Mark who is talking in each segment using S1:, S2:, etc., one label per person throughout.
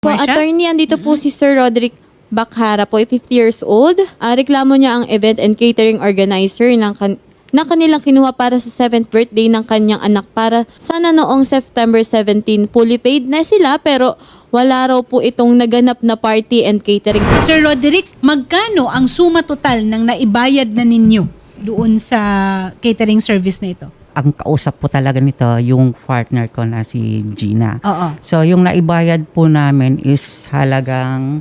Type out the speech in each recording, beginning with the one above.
S1: Po, attorney, andito po si Sir Roderick Bakhara po, 50 years old. Reklamo niya ang event and catering organizer na kanilang kinuha para sa 7th birthday ng kanyang anak para sana noong September 17. Fully paid na sila pero wala raw po itong naganap na party and catering.
S2: Sir Roderick, magkano ang suma total ng naibayad na ninyo doon sa catering service na ito?
S3: Ang kausap po talaga nito, yung partner ko na si Gina.
S2: Oo.
S3: So, yung naibayad po namin is halagang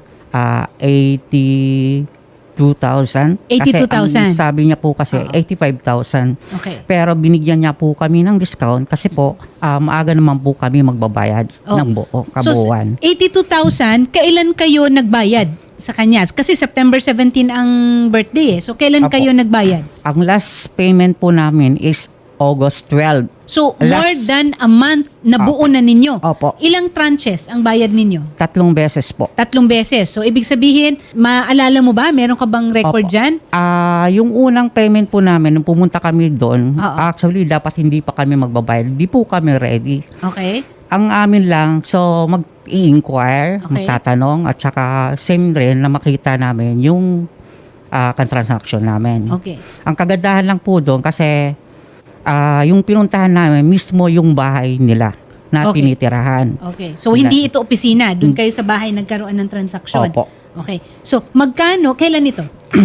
S3: 82,000.
S2: 82,000.
S3: Kasi ang sabi niya po kasi 85,000.
S2: Okay.
S3: Pero binigyan niya po kami ng discount kasi po maaga naman po kami magbabayad ng buo, kabuuan.
S2: So, 82,000, kailan kayo nagbayad sa kanya? Kasi September 17 ang birthday eh. So, kailan
S3: Apo.
S2: kayo nagbayad?
S3: Ang last payment po namin is August 12.
S2: So, more than a month na buo na ninyo.
S3: Opo.
S2: Ilang tranches ang bayad ninyo?
S3: 3 beses po.
S2: 3 beses. So, ibig sabihin, maalala mo ba? Meron ka bang record
S3: Opo.
S2: dyan?
S3: Yung unang payment po namin, nung pumunta kami doon,
S2: Oo.
S3: actually dapat hindi pa kami magbabayad. Hindi po kami ready.
S2: Okay.
S3: Ang amin lang, so mag-i-inquire,
S2: Okay.
S3: magtatanong, at saka same rin na makita namin yung transaction namin.
S2: Okay.
S3: Ang kagandahan lang po doon kasi yung pinuntahan namin, mismo yung bahay nila na
S2: Okay.
S3: tinitirahan.
S2: Okay. So, hindi ito opisina. Doon kayo sa bahay nagkaroon ng transaksyon.
S3: Opo.
S2: Okay. So, magkano? Kailan ito?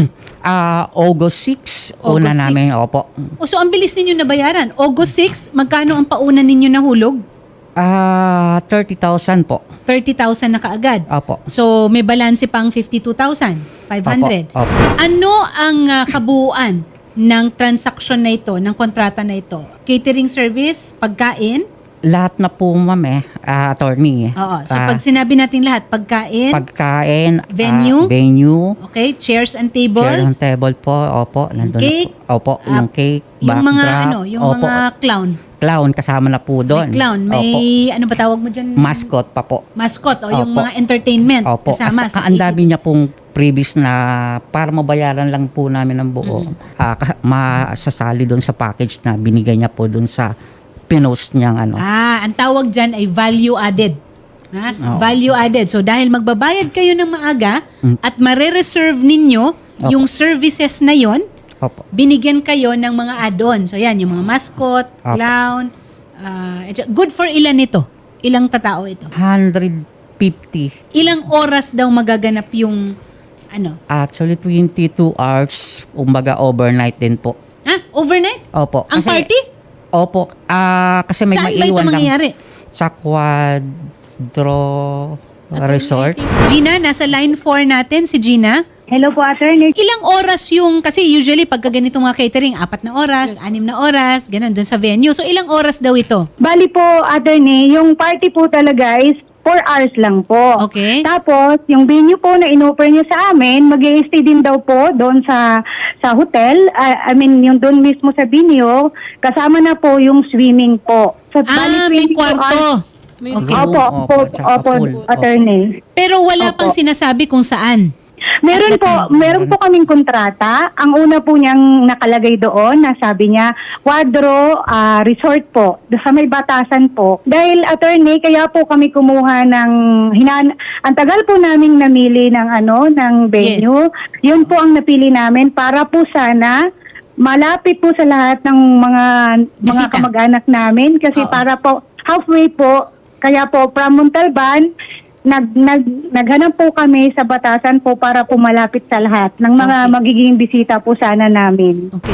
S3: August 6, una
S2: August 6?
S3: namin, opo.
S2: O, so, ang bilis ninyo nabayaran. August 6, magkano ang pauna ninyo nahulog?
S3: 30,000 po.
S2: 30,000 na kaagad.
S3: Opo.
S2: So, may balanse pang 52,500.
S3: Opo.
S2: Ano ang kabuuan ng transaksyon na ito, ng kontrata na ito? Catering service, pagkain?
S3: Lahat na po, ma'am, attorney.
S2: Oo. So, pag sinabi natin lahat, pagkain,
S3: Pagkain,
S2: Venue?
S3: venue,
S2: okay, chairs and
S3: chair
S2: tables,
S3: and table po, opo, nandun
S2: cake,
S3: na po. Opo, yung cake,
S2: yung mga
S3: backdrop,
S2: yung
S3: opo,
S2: mga clown.
S3: clown kasama na po doon.
S2: May clown, may
S3: Opo.
S2: ano ba tawag mo dyan?
S3: Mascot pa po.
S2: Mascot o yung
S3: Opo.
S2: mga entertainment
S3: Opo.
S2: kasama.
S3: At saka ang dami niya pong previous na para mabayaran lang po namin ng buo. Masasali doon sa package na binigay niya po doon sa pinost niyang ano.
S2: ang tawag dyan ay value added. Ha?
S3: Oo.
S2: Value added. So dahil magbabayad kayo ng maaga at mare-reserve ninyo yung services na yon,
S3: Opo.
S2: binigyan kayo ng mga add-on. So yan, yung mga mascot,
S3: Opo.
S2: clown. Good for ilan ito? Ilang tatao ito?
S3: 150.
S2: Ilang oras daw magaganap yung ano?
S3: Actually, 22 hours. Umbaga, overnight din po.
S2: Overnight?
S3: Opo.
S2: Ang party?
S3: Opo. Kasi may
S2: Saan ba ito
S3: maiwan lang
S2: mangyayari?
S3: sa Quadro Resort.
S2: Gina, nasa line 4 natin si Gina.
S4: Hello po, attorney.
S2: Ilang oras yung, kasi usually pagka ganito mga catering, 4 na oras, 6 na oras, ganun, dun sa venue. So ilang oras daw ito?
S4: Bali po, attorney, yung party po talaga is 4 hours lang po.
S2: Okay.
S4: Tapos, yung venue po na in-offer niya sa amin, mag-i-stay din daw po doon sa hotel. Yung doon mismo sa venue, kasama na po yung swimming po. So,
S2: May
S4: 22 hours.
S2: kwarto.
S4: Opo,
S3: Opo,
S4: opo,
S3: tsaka
S4: opo,
S3: pool.
S4: attorney.
S2: Pero wala
S4: Opo.
S2: pang sinasabi kung saan.
S4: Meron po kaming kontrata. Ang una po niyang nakalagay doon, na sabi niya, Quadro Resort po, sa may batasan po. Dahil attorney, kaya po kami kumuha ng, ang tagal po naming namili ng venue. Yun po ang napili namin para po sana malapit po sa lahat ng mga
S2: Bisita.
S4: kamag-anak namin. Kasi
S2: Oo.
S4: para po, halfway po, kaya po from Montalban, naghanap po kami sa batasan po para po malapit sa lahat ng mga
S2: Okay.
S4: magiging bisita po sana namin.
S2: Okay.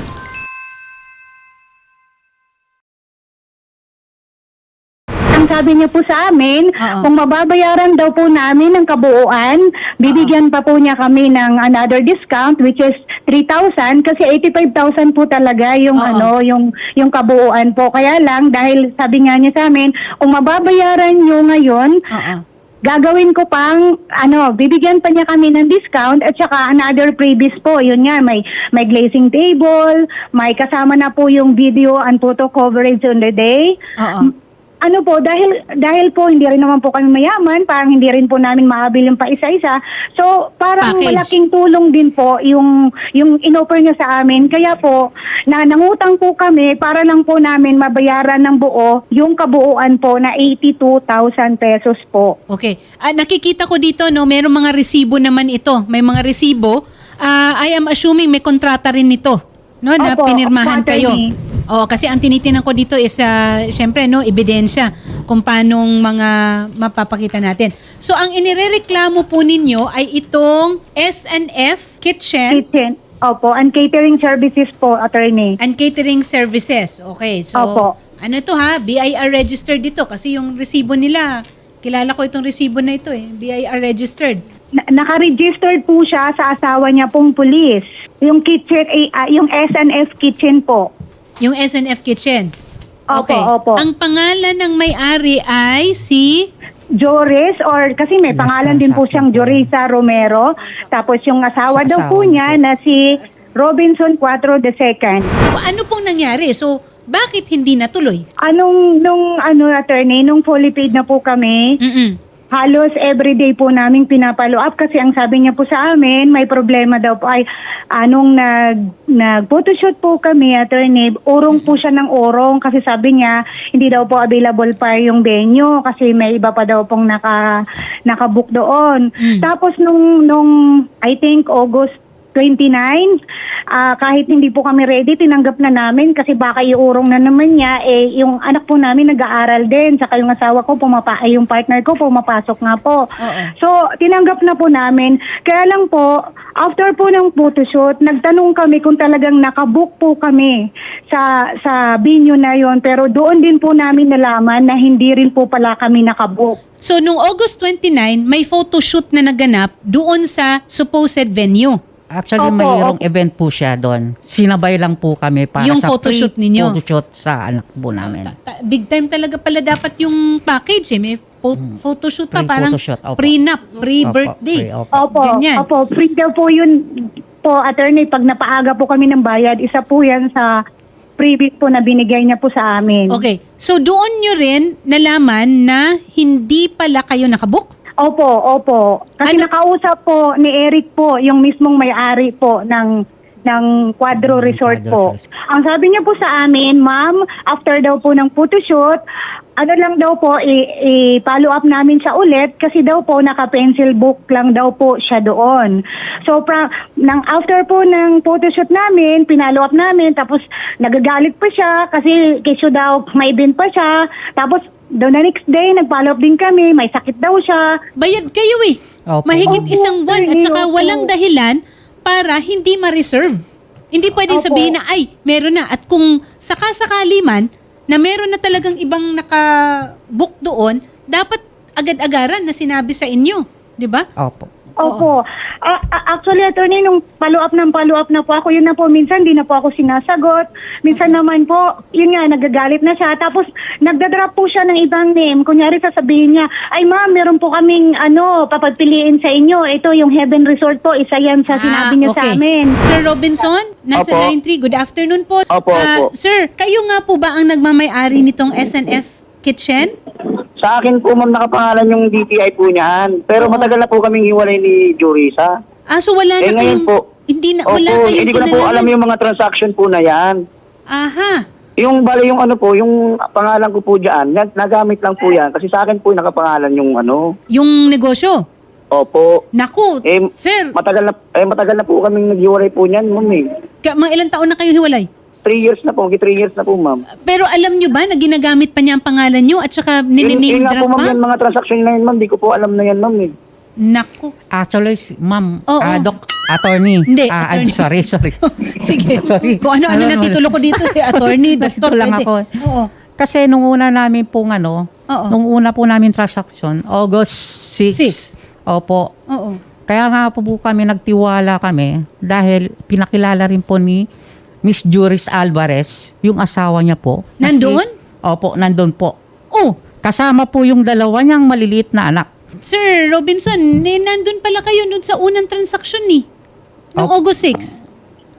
S4: Ang sabi niya po sa amin,
S2: Oo.
S4: kung mababayaran daw po namin ng kabuuan, bibigyan pa po niya kami ng another discount which is 3,000 kasi 85,000 po talaga yung
S2: Oo.
S4: yung kabuuan po. Kaya lang dahil sabi nga niya sa amin, kung mababayaran niyo ngayon,
S2: Oo.
S4: gagawin ko pang, bibigyan pa niya kami ng discount at saka another previous po. Yun nga, may glazing table, may kasama na po yung video and photo coverage on the day.
S2: Oo.
S4: ano po, dahil po hindi rin naman po kami mayaman, parang hindi rin po namin maabil yung pa-isa-isa. So, parang
S2: Package.
S4: malaking tulong din po yung inoffer niya sa amin. Kaya po, nangutang po kami para lang po namin mabayaran ng buo yung kabuuan po na 82,000 pesos po.
S2: Okay. Nakikita ko dito, no, mayroong mga resibo naman ito. May mga resibo. I am assuming may kontrata rin nito, no, na
S4: Opo,
S2: pinirmahan
S4: opo,
S2: kayo.
S4: attorney.
S2: Oo, kasi ang tinitingnan ko dito is, syempre, no, ebidensya kung paanong mga mapapakita natin. So, ang inirereklamo po ninyo ay itong SNF Kitchen
S4: Kitchen. Opo, and catering services po, attorney.
S2: and Catering Services. Okay, so,
S4: Opo.
S2: ano ito ha? BIR registered dito kasi yung resibo nila, kilala ko itong resibo na ito BIR registered.
S4: Naka-registered po siya sa asawa niya pong pulis. Yung kitchen, yung SNF Kitchen po.
S2: Yung SNF Kitchen.
S4: Opo, opo.
S2: Ang pangalan ng may-ari ay si...
S4: Joris, or kasi may
S3: Last
S4: pangalan din po
S3: transaction
S4: siyang
S3: po.
S4: Jorisa Romero. Tapos yung asawa
S3: Sa
S4: daw po
S3: asawa
S4: niya
S3: po.
S4: na si Robinson 4 II.
S2: Ano pong nangyari? So, bakit hindi natuloy?
S4: Nung attorney, nung fully paid na po kami, halos everyday po namin pinapalo up kasi ang sabi niya po sa amin, may problema daw po ay anong nag-photoshoot po kami, attorney, urong po siya ng urong kasi sabi niya hindi daw po available pa yung venue kasi may iba pa daw pong nakabook doon. Tapos nung I think August 29, kahit hindi po kami ready, tinanggap na namin kasi baka iurong na naman niya, yung anak po namin nag-aaral din, saka yung asawa ko, yung partner ko pumapasok nga po. So, tinanggap na po namin. Kaya lang po, after po ng photoshoot, nagtanong kami kung talagang nakabook po kami sa venue na yon, pero doon din po namin nalaman na hindi rin po pala kami nakabook.
S2: So, nung August 29, may photoshoot na naganap doon sa supposed venue.
S3: Actually,
S4: Opo,
S3: mayroong event po siya doon. Sinabay lang po kami para
S2: Yung
S3: sa
S2: photoshoot ninyo?
S3: photoshoot sa anak po namin.
S2: Big time talaga pala dapat yung package May photoshoot pa, parang
S3: Pre-photoshoot, opo.
S2: prenup, pre-birthday.
S3: Opo.
S4: Opo,
S2: Ganyan.
S4: opo, free daw po yun po, attorney, pag napaaga po kami ng bayad, isa po yan sa freebie po na binigay niya po sa amin.
S2: Okay. So, doon nyo rin nalaman na hindi pala kayo nakabook?
S4: Opo. Kasi nakausap po ni Eric po, yung mismong may-ari po ng Quadro Resort
S3: Quadro
S4: po.
S3: Resort.
S4: Ang sabi niya po sa amin, ma'am, after daw po ng photoshoot, ano lang daw po, i-follow up namin siya ulit kasi daw po naka-pencil book lang daw po siya doon. So, after po ng photoshoot namin, pinalo up namin, tapos nagagalit pa siya kasi kesyo daw may bin pa siya. Tapos, the next day, nag-follow up din kami, may sakit daw siya.
S2: Bayad kayo
S3: Opo.
S2: Mahigit
S4: Opo,
S2: isang buwan at saka
S4: opo.
S2: walang dahilan para hindi ma-reserve. Hindi pwedeng
S4: Opo.
S2: sabihin na, ay, meron na. At kung sakasakali man, na meron na talagang ibang naka-book doon, dapat agad-agaran na sinabi sa inyo. Di ba?
S3: Opo.
S4: Opo. Actually, attorney, nung follow-up na po ako, yun na po, minsan di na po ako sinasagot. Minsan naman po, yun nga, nagagalit na siya. Tapos, nagdadrop po siya ng ibang name. Kunyari, sasabihin niya, ay ma'am, meron po kaming, papagpiliin sa inyo. Ito, yung Heaven Resort po, isa yan sa sinabi niya sa amin.
S2: Sir Robinson, nasa
S5: Opo.
S2: line 3. Good afternoon po.
S5: Opo, opo.
S2: Sir, kayo nga po ba ang nagmamay-ari nitong SNF Kitchen?
S5: Sa akin po, ma'am, nakapangalan yung DTI po niyan. Pero matagal na po kaming hiwalay ni Jorisa.
S2: So wala na
S5: Ngayon
S2: kayong...
S5: po.
S2: Hindi na,
S5: Opo,
S2: wala kayong
S5: hindi ko na po
S2: kinalaman.
S5: alam yung mga transaction po na yan.
S2: Aha.
S5: Yung yung pangalan ko po dyan, nagamit lang po yan. Kasi sa akin po nakapangalan yung
S2: Yung negosyo.
S5: Opo.
S2: Naku,
S5: Eh,
S2: sir,
S5: matagal na po kaming naghiwalay po niyan, ma'am eh.
S2: mga ilang taon na kayo hiwalay?
S5: 3 years na po, 3 years na po, ma'am.
S2: Pero alam nyo ba na ginagamit pa niya ang pangalan nyo at saka
S5: Yun
S2: nininame
S5: nga po,
S2: drop
S5: ma'am,
S2: pa?
S5: yung mga transaction na yun, ma'am, di ko po alam na yan, ma'am eh.
S2: Naku.
S3: Actually, ma'am,
S2: Oo.
S3: attorney.
S2: Hindi, attorney.
S3: Sorry.
S2: Sige.
S3: Sorry.
S2: Kung ano-ano
S3: Alam mo,
S2: natitulo ko dito, attorney, doktor,
S3: lang
S2: pwede.
S3: ako.
S2: Oo.
S3: Kasi nung una namin pong
S2: Oo.
S3: nung una po namin transaction, August 6.
S2: 6.
S3: Opo.
S2: Oo.
S3: Kaya nga po kami nagtiwala kami dahil pinakilala rin po ni Miss Juris Alvarez, yung asawa niya po.
S2: Nandoon?
S3: Opo, nandun po.
S2: Oh,
S3: Kasama po yung dalawa niyang maliliit na anak.
S2: Sir Robinson, nandun pala kayo dun sa unang transaction ni. Noong
S3: Opo.
S2: August 6.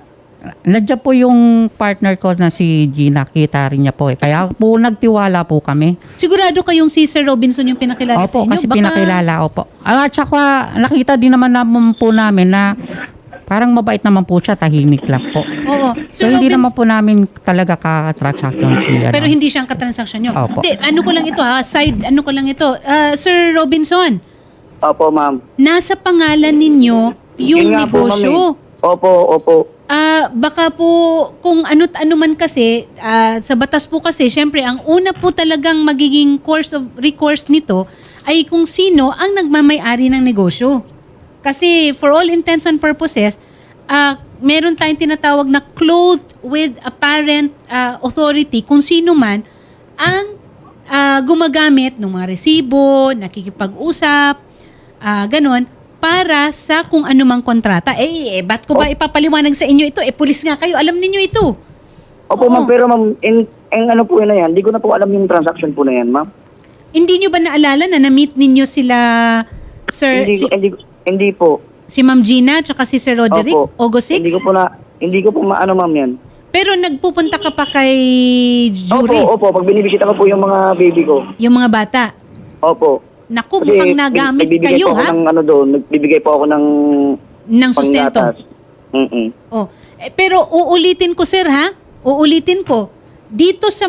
S3: Nandiyan po yung partner ko na si Gina, kita rin niya po eh. Kaya po nagtiwala po kami.
S2: Sigurado kayong si Sir Robinson yung pinakilala sa
S3: Opo,
S2: inyo?
S3: kasi pinakilala ko po. At saka nakita din naman po namin na parang mabait naman po siya, tahimik lang po.
S2: Oo.
S3: So
S2: Sir
S3: hindi
S2: Robinson-
S3: naman po namin talaga ka-transaction siya.
S2: Pero hindi siyang katransaksyon nyo.
S3: Opo.
S2: Hindi, ano ko lang ito ano ko lang ito. Sir Robinson,
S5: Opo, ma'am.
S2: nasa pangalan ninyo yung
S5: Yun nga po, ma'am,
S2: negosyo.
S5: eh. Opo.
S2: Baka po kung ano man kasi, sa batas po kasi, syempre, ang una po talagang magiging course of recourse nito ay kung sino ang nagmamay-ari ng negosyo. Kasi for all intents and purposes, meron tayong tinatawag na clothed with apparent authority kung sino man ang gumagamit ng mga resibo, nakikipag-usap, ganon, para sa kung anumang kontrata. Ba't ko ba ipapaliwanag sa inyo ito? Pulis nga kayo, alam ninyo ito.
S5: Opo,
S2: Oo.
S5: ma'am, pero ma'am, ano po yun na yan? Hindi ko na po alam yung transaction po na yan, ma'am.
S2: Hindi nyo ba naalala na na-meet ninyo sila, Sir,
S5: Hindi po.
S2: si Ma'am Gina, tsaka si Sir Roderick,
S5: Opo.
S2: August 6?
S5: Hindi ko po maano, ma'am, yan.
S2: Pero nagpupunta ka pa kay
S5: Opo,
S2: Juris,
S5: pag binibisita ko po yung mga baby ko.
S2: yung mga bata.
S5: Opo.
S2: Naku, mukhang nagamit
S5: nagbibigay
S2: kayo,
S5: po ako
S2: ha?
S5: ng ano doon, nagbibigay po ako ng
S2: Ng sustento.
S5: panggatas.
S2: Oh. Pero uulitin ko, sir, ha? Uulitin ko. Dito sa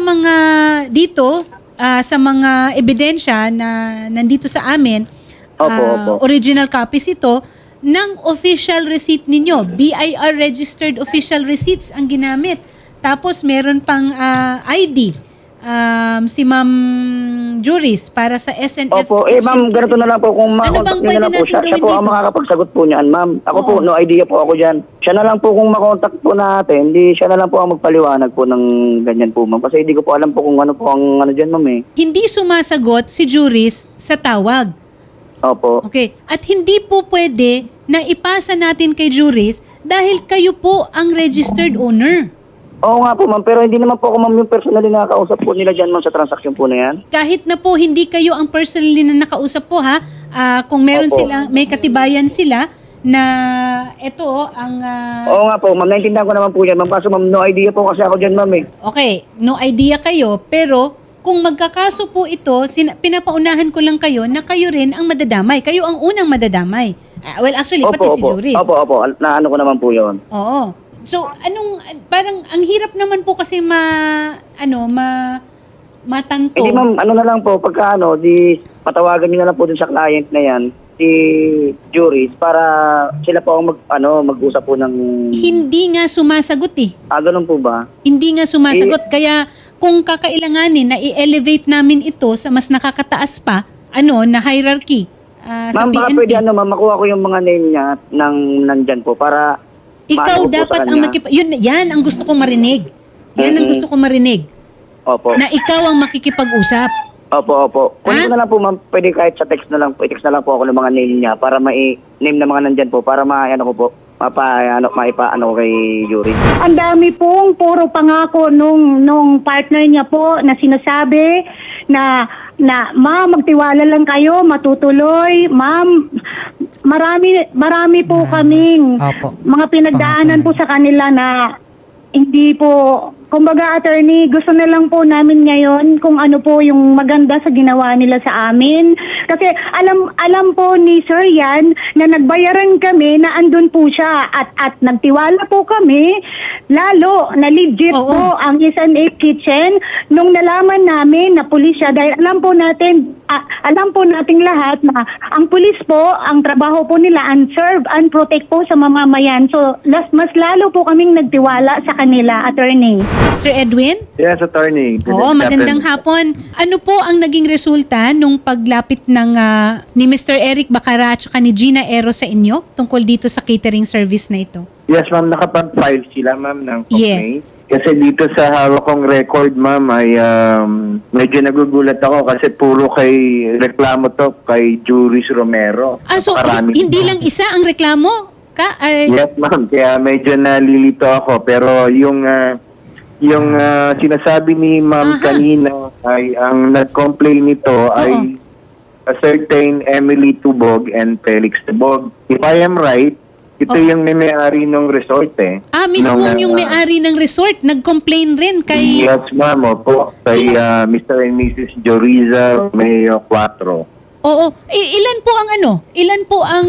S2: mga ebidensya na nandito sa amin,
S5: Opo.
S2: original copies ito ng official receipt ninyo. BIR registered official receipts ang ginamit. Tapos meron pang ID. Si Ma'am Juris para sa SNF.
S5: Opo, ma'am, ganito na lang po kung
S2: Ano bang
S5: makontak niyo na lang
S2: pwede
S5: po siya.
S2: natin
S5: Siya po
S2: gawin
S5: ang
S2: dito?
S5: makakapagsagot po niyan, ma'am. Ako po,
S2: Oo.
S5: no idea po ako dyan. Siya na lang po kung makontak po natin, siya na lang po ang magpaliwanag po ng ganyan po, ma'am. Kasi hindi ko po alam po kung ano po ang ano dyan, ma'am, eh.
S2: Hindi sumasagot si Juris sa tawag.
S5: Opo.
S2: Okay. At hindi po pwede na ipasa natin kay Juris dahil kayo po ang registered owner.
S5: Oo nga po, ma'am. Pero hindi naman po ako, ma'am, yung personally nakakausap po nila dyan, ma'am, sa transaksyon po na yan.
S2: Kahit na po hindi kayo ang personally na nakausap po, ha, kung meron
S5: Opo.
S2: sila, may katibayan sila na ito ang
S5: Oo nga po, ma'am. Naintindihan ko naman po yan, ma'am. Kaso, ma'am, no idea po kasi ako dyan, ma'am, eh.
S2: okay, no idea kayo, pero kung magkakaso po ito, pinapaunahan ko lang kayo na kayo rin ang madadamay. Kayo ang unang madadamay. Well, actually, pati si Juris.
S5: Opo. Naano ko naman po yun.
S2: Oo. So, parang ang hirap naman po kasi matanto.
S5: Hindi, ma'am, ano na lang po, pagka patawagan niyo na lang po dun sa client na yan, si Juris, para sila po ang mag-usap po ng...
S2: Hindi nga sumasagot eh.
S5: Ganun po ba?
S2: Hindi nga sumasagot. Kaya kung kakailanganin na i-elevate namin ito sa mas nakakataas pa, na hierarchy sa
S5: Ma'am, baka
S2: PNP.
S5: pwede ma'am, makuha ko yung mga name niya nandyan po para...
S2: Ikaw
S5: maano ko po
S2: dapat
S5: sa
S2: ang
S5: kanya.
S2: yan ang gusto kong marinig. Yan ang gusto kong marinig.
S5: Opo.
S2: Na ikaw ang makikipag-usap.
S5: Opo. Kunin
S2: Ha?
S5: ko na lang po, ma'am. Pwede kahit sa text na lang po. I-text na lang po ako ng mga name niya para name na mga nandyan po. Para ko po. Maipaano ko kay Yuri.
S4: Ang dami pong puro pangako nung partner niya po na sinasabi na ma'am, magtiwala lang kayo, matutuloy. Ma'am, marami po kaming
S3: Opo.
S4: mga pinagdaanan po sa kanila na hindi po, kumbaga attorney, gusto na lang po namin ngayon kung ano po yung maganda sa ginawa nila sa amin. Kasi alam po ni Sir yan na nagbayaran kami na andun po siya at nagtiwala po kami, lalo na legit
S2: Oo.
S4: po ang S&A Kitchen nung nalaman namin na pulis siya dahil alam po nating lahat na ang pulis po, ang trabaho po nila and serve and protect po sa mamamayan. So, mas lalo po kaming nagtiwala sa kanila, attorney.
S2: Sir Edwin?
S6: Yes, attorney.
S2: Oo, magandang hapon. Ano po ang naging resulta nung paglapit ni Mr. Eric Bacara at saka ni Gina Ero sa inyo tungkol dito sa catering service na ito?
S6: Yes, ma'am. Nakapag-file sila, ma'am, ng complaint.
S2: Yes.
S6: Kasi dito sa hawak kong record, ma'am, ay medyo nagugulat ako kasi puro kay reklamo to kay Juris Romero.
S2: So
S6: Napakarami
S2: hindi
S6: po.
S2: lang isa ang reklamo?
S6: Yes, ma'am. Kaya medyo nalilito ako. Pero yung sinasabi ni ma'am
S2: Aha.
S6: kanina ay ang nag-complain nito ay a certain Emily Tubog and Felix Tubog. If I am right, Ito yung may-ari ng resort eh.
S2: Mismo
S6: Nung,
S2: yung may-ari ng resort, nag-complain rin kay...
S6: Yes, ma'am. Opo. Kay Mr. and Mrs. Joriza May 4.
S2: Oo. Ilan po ang Ilan po ang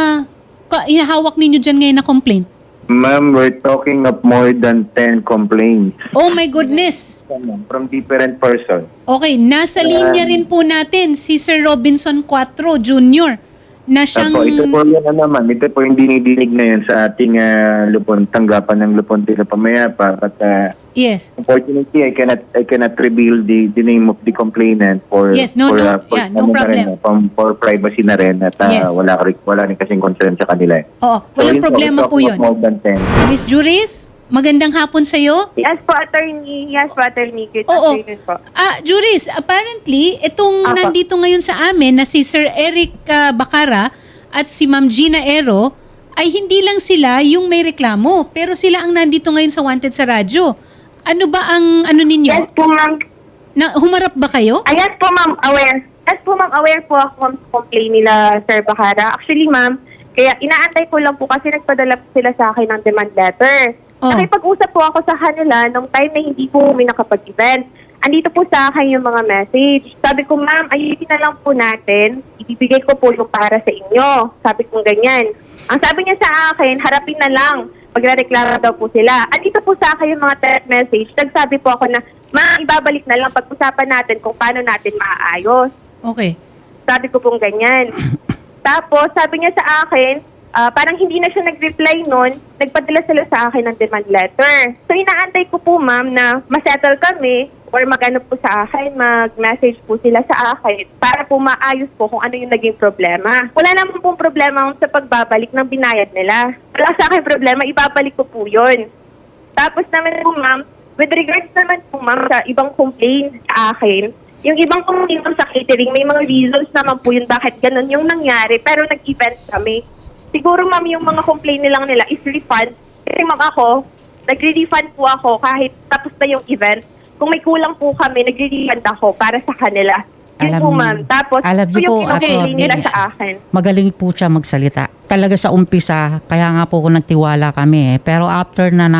S2: hinahawak ninyo dyan ngayon na complaint?
S6: Ma'am, we're talking of more than 10 complaints
S2: Oh my goodness.
S6: from different persons.
S2: Okay, nasa linya rin po natin si Sir Robinson Cuatro Jr. na siyang...
S6: Ito po yan naman. Ito po yung dinidinig na yan sa ating tanggapan ng Lupon Tila Pamayapa. But
S2: Yes.
S6: unfortunately, I cannot reveal the name of the complainant for
S2: Yes, no problem.
S6: For privacy na rin at
S2: Yes.
S6: wala rin kasing concern sa kanila.
S2: Oo, walang problema po yun.
S6: More than 10.
S2: Miss Juris, magandang hapon sa'yo.
S7: Yes po, attorney. Yes po, attorney. Good
S2: Oo.
S7: afternoon po.
S2: Juris, apparently, itong
S7: Apa.
S2: nandito ngayon sa amin na si Sir Eric Bacara at si Ma'am Gina Ero ay hindi lang sila yung may reklamo, pero sila ang nandito ngayon sa Wanted sa radyo. Ano ba ang ninyo?
S7: Yes po, ma'am.
S2: Humarap ba kayo?
S7: Yes po, ma'am. Aware. Yes po, ma'am. Aware po ako sa complaint nila, Sir Bacara. Actually, ma'am, kaya inaantay ko lang po kasi nagpadala po sila sa akin ng demand letter.
S2: Oh.
S7: Nakipag-usap po ako sa kanila nung time na hindi po kami nakapag-event. Andito po sa akin yung mga message. Sabi ko, ma'am, ayusin na lang po natin. Ibibigay ko po yung para sa inyo. Sabi ko ganyan. Ang sabi niya sa akin, harapin na lang. Magre-reklamo daw po sila. Andito po sa akin yung mga text message. Nagsabi po ako na, ma'am, ibabalik na lang. Pag-usapan natin kung paano natin maaayos.
S2: Okay.
S7: Sabi ko pong ganyan. Tapos, sabi niya sa akin, parang hindi na siya nag-reply nun, nagpadala sila sa akin ng demand letter. So, inaantay ko po, ma'am, na masettle kami or mag-ano po sa akin, mag-message po sila sa akin para po maayos po kung ano yung naging problema. Wala naman pong problema sa pagbabalik ng binayad nila. Wala sa akin problema, ibabalik ko po yun. Tapos naman po, ma'am, with regards naman po, ma'am, sa ibang complaint sa akin, yung ibang complaint sa catering, may mga reasons naman po yun bakit ganun yung nangyari, pero nag-event kami. Siguro, ma'am, yung mga complaint nilang nila is refund. Kasi, ma'am, ako, nagre-refund po ako kahit tapos na yung event. Kung may kulang po kami, nagre-refund ako para sa kanila. Yun po, ma'am. Tapos,
S3: alam
S7: ito
S3: niyo
S7: yung
S3: po,
S7: pinag-complaint nila
S3: attorney,
S7: sa akin.
S3: magaling po siya magsalita. Talaga sa umpisa, kaya nga po kung nagtiwala kami eh. Pero after na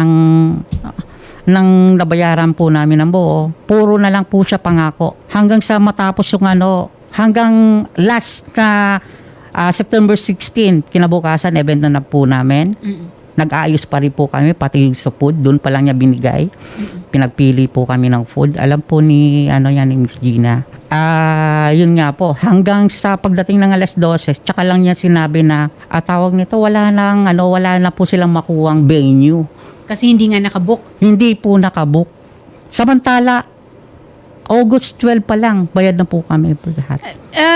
S3: nang nabayaran po namin ng buo, puro na lang po siya pangako. Hanggang sa matapos yung hanggang last na September 16, kinabukasan, event na po namin. Nag-aayos pa rin po kami, pati yung sa food, doon pa lang niya binigay. Pinagpili po kami ng food. Alam po ni Miss Gina. Yun nga po, hanggang sa pagdating ng alas 12, tsaka lang niya sinabi na, tawag nito, wala na po silang makuwang venue.
S2: Kasi hindi nga nakabook.
S3: Hindi po nakabook. Samantala, August 12 pa lang, bayad na po kami po lahat.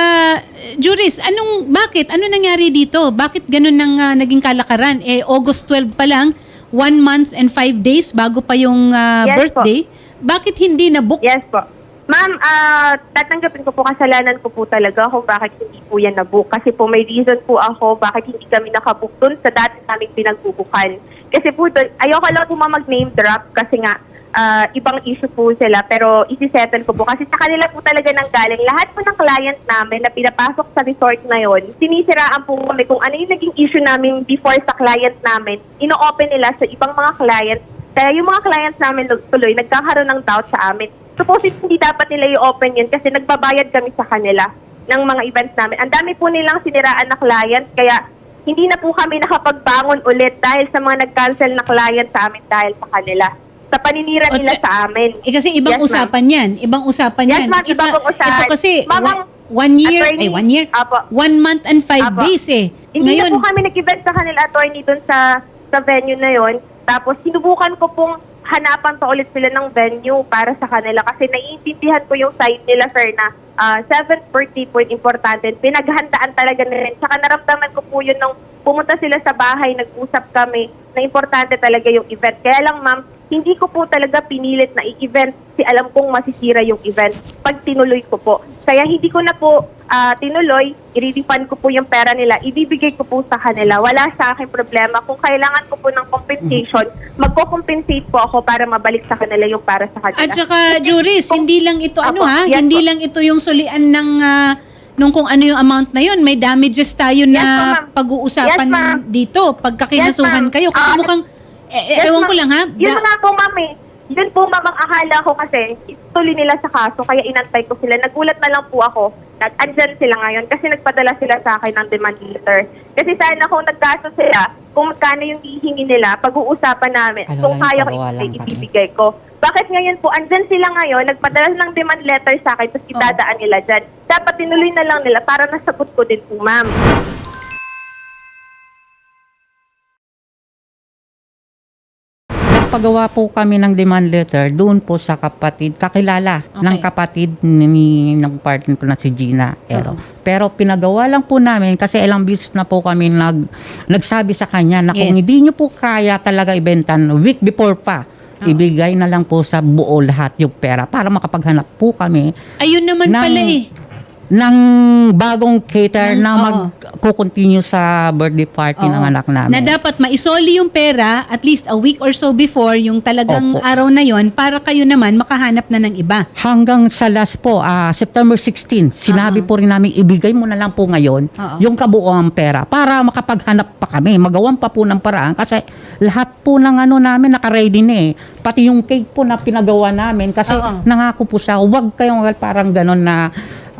S2: Juris, bakit? Ano nangyari dito? Bakit ganun naging kalakaran? August 12 pa lang, 1 month and 5 days bago pa yung
S7: Yes
S2: birthday. Bakit hindi na-book?
S7: Yes po. Ma'am, tatanggapin ko po, kasalanan ko po talaga kung bakit hindi po yan nabook. Kasi po may reason po ako bakit hindi kami nakabook dun sa dati naming pinagbubukan. Kasi po dun, ayoko lang po mag-name drop kasi nga ibang issue po sila, pero isi-settle ko po. Kasi sa kanila po talaga nang galing. Lahat po ng client namin na pinapasok sa resort na yon, sinisiraan po kami kung ano yung naging issue namin before sa client namin. Ino-open nila sa ibang mga clients. Kaya yung mga clients namin tuloy, nagkakaroon ng doubt sa amin. Supposedly, hindi dapat nila i-open yun kasi nagbabayad kami sa kanila ng mga events namin. Ang dami po nilang siniraan na client, kaya hindi na po kami nakapagbangon ulit dahil sa mga nag-cancel na client sa amin dahil sa kanila. Sa paninira nila sa amin.
S2: Kasi ibang
S7: Yes,
S2: usapan yan. Ibang usapan
S7: Yes,
S2: yan.
S7: ma'am,
S2: Tsaka,
S7: ibang usapan.
S2: ito kasi,
S7: Ma'am, ang
S2: 1 year,
S7: attorney,
S2: 1 year,
S7: Apo.
S2: 1 month and 5
S7: Apo.
S2: days eh.
S7: Hindi
S2: Ngayon,
S7: na po kami nag-event sa kanila, attorney, dun sa venue na yon. Tapos, sinubukan ko pong hanapan pa ulit sila ng venue para sa kanila kasi naiintindihan ko yung side nila, sir, na 7th birthday po yung importante. Pinaghandaan talaga na rin. Tsaka naramdaman ko po yun nung pumunta sila sa bahay, nag-usap kami na importante talaga yung event. Kaya lang, ma'am, hindi ko po talaga pinilit na i-event kasi alam kong masisira yung event pag tinuloy ko po. Kaya hindi ko na po tinuloy, i-refund ko po yung pera nila, ibibigay ko po sa kanila. Wala sa akin problema. Kung kailangan ko po ng compensation, magko-compensate po ako para mabalik sa kanila yung para sa kanila.
S2: at saka, Juris, hindi lang ito,
S7: Apo, yes
S2: hindi
S7: po.
S2: lang ito yung sulian nung kung ano yung amount na yun. May damages tayo
S7: Yes,
S2: na
S7: ma'am.
S2: pag-uusapan
S7: Yes, ma'am.
S2: dito. Pagka kinasuhan
S7: Yes, ma'am.
S2: kayo. Kasi mukhang,
S7: Yes,
S2: ewan ko
S7: ma'am.
S2: lang ha.
S7: Yun nga po, ma'am eh. Yun po, ma'am, ang akala ko kasi ituloy nila sa kaso, kaya inantay ko sila. Nagulat na lang po ako na andyan sila ngayon kasi nagpadala sila sa akin ng demand letter. Kasi sana kung nagkaso sila, kung magkano yung hihingi nila, pag-uusapan namin.
S3: Ano
S7: Kung
S3: lang,
S7: kaya ko
S3: pagawa lang kami.
S7: ibibigay ko. Bakit ngayon po, andyan sila ngayon, nagpadala ng demand letter sa akin, tapos itadaan nila dyan. Dapat tinuloy na lang nila para nasagot ko din po, ma'am.
S3: Nagpagawa po kami ng demand letter doon po sa kapatid, kakilala ng kapatid ng partner ko na si Gina Ero. Pero pinagawa lang po namin kasi ilang beses na po kami nagsabi sa kanya na kung
S2: Yes.
S3: hindi nyo po kaya talaga ibentan week before pa, ibigay na lang po sa buo lahat yung pera para makapaghanap po kami
S2: Ayun naman
S3: ng-
S2: pala eh.
S3: ng bagong cater na
S2: Oo.
S3: mag-continue sa birthday party ng
S2: Oo.
S3: anak namin.
S2: Na dapat maisoli yung pera at least a week or so before yung talagang
S3: Opo.
S2: araw na yon para kayo naman makahanap na ng iba.
S3: Hanggang sa last po, September 16, sinabi po rin namin, ibigay mo na lang po ngayon
S2: Oo.
S3: yung kabuuang pera para makapaghanap pa kami. Magawan pa po ng paraan kasi lahat po ng ano namin nakaready na eh. Pati yung cake po na pinagawa namin kasi
S2: Oo.
S3: nangako po siya, huwag kayong parang ganon na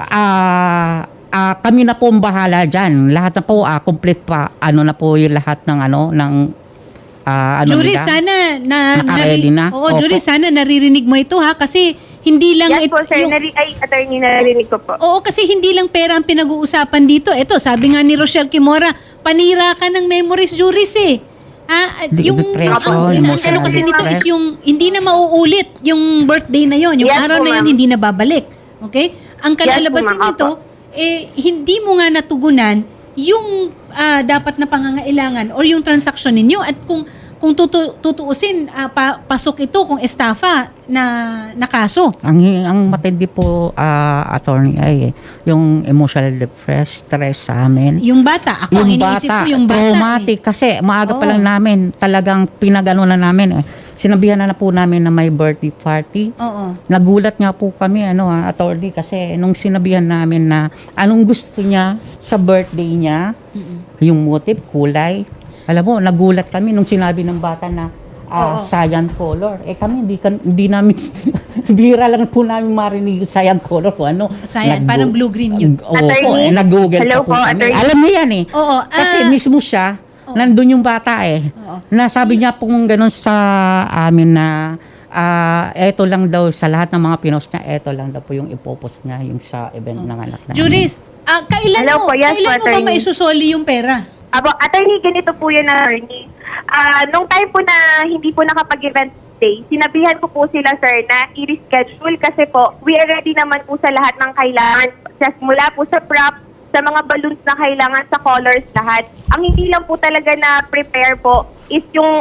S3: kami na po ang bahala dyan. Lahat na po, complete pa, ano na po yung lahat ng
S2: Jury,
S3: nila.
S2: sana
S3: Naka-ready na?
S2: Oo,
S3: Opo.
S2: Jury, sana naririnig mo ito ha kasi hindi lang
S7: Yes po, sir.
S2: yung-
S7: Attorney, narinig ko po.
S2: Oo, kasi hindi lang pera ang pinag-uusapan dito. Ito, sabi nga ni Rochelle Kimora, panira ka ng memories, Juris eh.
S3: Depression,
S2: ang
S3: emotional
S2: ano kasi nito is
S3: distress.
S2: yung hindi na mauulit yung birthday na yon, yung
S7: Yes
S2: araw
S7: po,
S2: na yon
S7: ma'am.
S2: hindi na babalik. Okay? Ang kalalabasan
S7: Yes po, ma'am.
S2: nito, hindi mo nga natugunan yung dapat na pangangailangan or yung transaction ninyo at kung tutuusin, pasok ito kung estafa na kaso.
S3: Ang matindi po, attorney, ay yung emotional stress sa amin.
S2: Yung bata, ako ang iniisip ko yung bata.
S3: traumatic. Kasi maaga pa
S2: Oo.
S3: lang namin, talagang pinagano na namin. Sinabihan na po namin na may birthday party.
S2: Oo.
S3: Nagulat nga po kami, attorney, kasi nung sinabihan namin na anong gusto niya sa birthday niya, yung motif, kulay. Alam mo, nagulat kami nung sinabi ng bata na cyan color. Kami, hindi namin, bira lang po namin marinig yung cyan color ko.
S2: Cyan, parang blue-green yun.
S3: Oo,
S7: Attorney?
S3: nag-google
S7: Hello
S3: pa po
S7: po,
S3: kami.
S7: attorney.
S3: Alam niya yan eh.
S2: Oo,
S3: Kasi mismo siya, nandun yung bata eh.
S2: Oo.
S3: Nasabi niya pong ganun sa amin na eto lang daw sa lahat ng mga pinost niya, eto lang daw po yung ipopost niya yung sa event ng anak namin.
S2: Juris, kailan
S7: Hello
S2: mo,
S7: po, yes
S2: kailan
S7: po,
S2: mo ba
S7: attorney.
S2: maisusoli yung pera?
S7: Attorney, ganito po yun, attorney. Nung time po na hindi po nakapag-event day, sinabihan ko po sila, sir, na i-reschedule kasi po, we are ready naman po sa lahat ng kailangan. Mula po sa props, sa mga balloons na kailangan, sa colors, lahat. Ang hindi lang po talaga na prepare po is yung,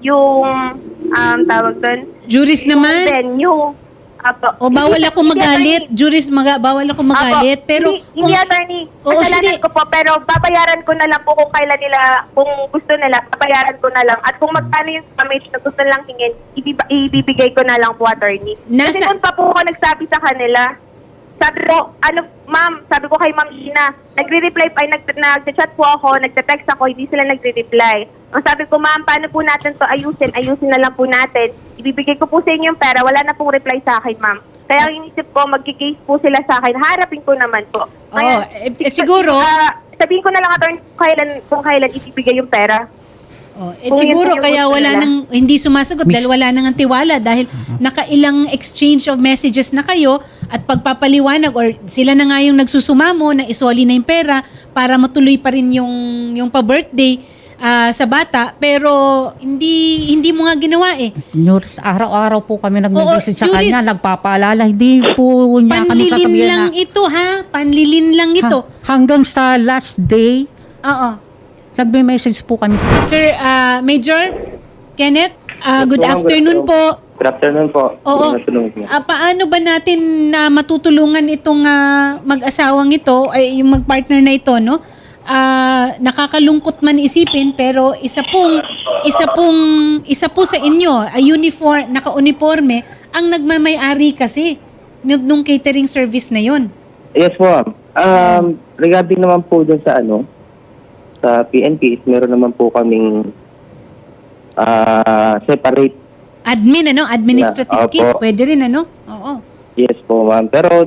S7: tawag doon,
S2: Juris naman.
S7: venue.
S2: O bawal ako magalit. Juris, bawal ako magalit. Pero
S7: hindi attorney,
S2: Oo,
S7: kasalanan
S2: hindi.
S7: ko po, pero babayaran ko na lang po kung kailan nila, kung gusto nila, babayaran ko na lang. At kung magkano yung damage na gusto nilang hingin, ibibigay ko na lang po, attorney. Kasi
S2: Nasa-
S7: noon pa po ako nagsabi sa kanila, sabi ko, ma'am, sabi ko kay Ma'am Gina, nagre-reply pa, nag-chat po ako, nagte-text ako, hindi sila nagre-reply. Ang sabi ko, ma'am, paano po natin to ayusin? Ayusin na lang po natin. Ibibigay ko po sa inyo yung pera, wala na pong reply sa akin, ma'am. Kaya ang inisip ko, magkikase po sila sa akin, harapin ko naman po.
S2: siguro,
S7: sabihin ko na lang, attorney, kung kailan ibibigay yung pera. Kung
S2: siguro
S7: yun po yung
S2: kaya
S7: gusto
S2: wala
S7: nila.
S2: nang hindi sumasagot dahil wala nang ang tiwala dahil nakailang exchange of messages na kayo at pagpapaliwanag or sila na nga yung nagsusumamo na isoli na yung pera para matuloy pa rin yung pa-birthday sa bata pero hindi mo nga ginawa eh.
S3: Juris, araw-araw po kami nag-message sa
S2: Juris,
S3: kanya, nagpapaalala, hindi po niya kami
S2: Panlilin
S3: sasabihin
S2: lang
S3: na,
S2: ito ha, panlilin lang ito.
S3: hanggang sa last day,
S2: Oo.
S3: nagme-message po kami.
S2: Sir Major Kenneth, good afternoon po.
S5: Good afternoon po.
S2: Oo.
S5: Good afternoon po.
S2: Paano ba natin na matutulungan itong mag-asawang ito, ay yung mag-partner na ito, no? Nakakalungkot man isipin pero isa po sa inyo, naka-uniforme ang nagmamay-ari kasi nung catering service na yon.
S5: Yes po, ma'am.
S8: Regarding naman po dun sa sa PNP, meron naman po kaming separate.
S2: Administrative
S8: Opo.
S2: case, pwede rin Oo.
S8: Yes po, ma'am. Pero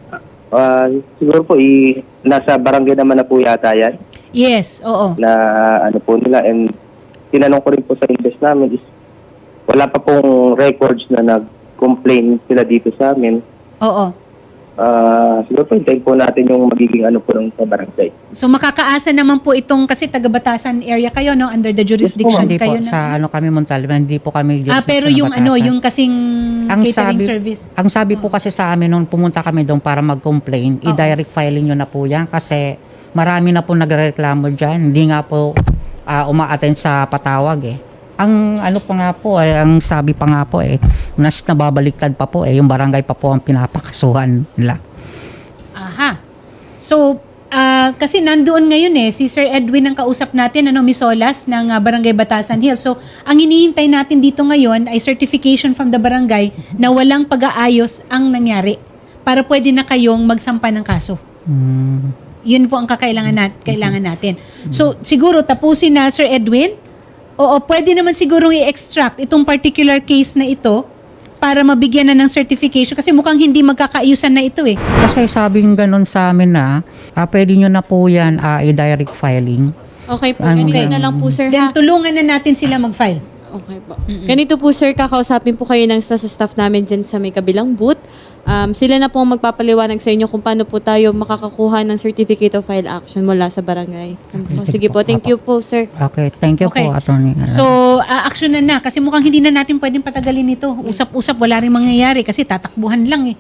S8: siguro po nasa barangay naman na po yata yan
S2: Yes, oo.
S8: na po nila, and tinanong ko rin po sa invest namin is wala pa pong records na nag-complain sila dito sa amin.
S2: Oo.
S8: Siguro po hintayin po natin yung magiging po ng sa barangay.
S2: So makakaasa naman po itong kasi taga-Batasan area kayo under the jurisdiction
S3: Hindi
S2: kayo
S3: po, sa kami Montalban, hindi po kami
S2: pero yung yung kasing catering service.
S3: Ang sabi po kasi sa amin nung pumunta kami doon para mag-complain, i-direct filing nyo na po yan kasi marami na po nagrereklamo dyan. Hindi nga po uma-attend sa patawag Ang pa nga po ang sabi pa nga po nas nababaliktad pa po yung barangay pa po ang pinapakasuhan nila.
S2: Aha. So, kasi nandoon ngayon si Sir Edwin ang kausap natin, Miss Solas ng Barangay Batasan Hills. So, ang hinihintay natin dito ngayon ay certification from the barangay na walang pag-aayos ang nangyari para pwede na kayong magsampa ng kaso. Yun po ang kailangan natin. So, siguro tapusin na Sir Edwin. Oo, pwede naman sigurong i-extract itong particular case na ito para mabigyan na ng certification kasi mukhang hindi magkakaayusan na ito
S3: Kasi sabing ganun sa amin na pwede nyo na po yan i-direct filing.
S1: Okay po,
S3: Ang-
S1: ganito na lang po sir
S2: Then
S1: ha.
S2: tulungan na natin sila mag-file.
S1: Okay po. Ganito po sir, kakausapin po kayo ng sa staff namin dyan sa may kabilang booth. Sila na po ang magpapaliwanag sa inyo kung paano po tayo makakakuha ng certificate of file action mula sa barangay. Sige po, thank you po sir.
S3: Okay, thank you
S2: Okay.
S3: po, Attorney.
S2: So, action na kasi mukhang hindi na natin pwedeng patagalin ito. Usap-usap, wala rin mangyayari kasi tatakbuhan lang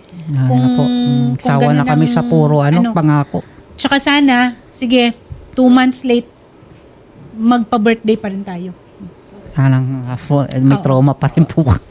S3: Sawa na
S2: ganun
S3: kami
S2: ang-
S3: sa puro pangako.
S2: Tsaka sana, sige, 2 months late, magpa-birthday pa rin tayo.
S3: Sanang may
S2: Oo.
S3: trauma pa rin po.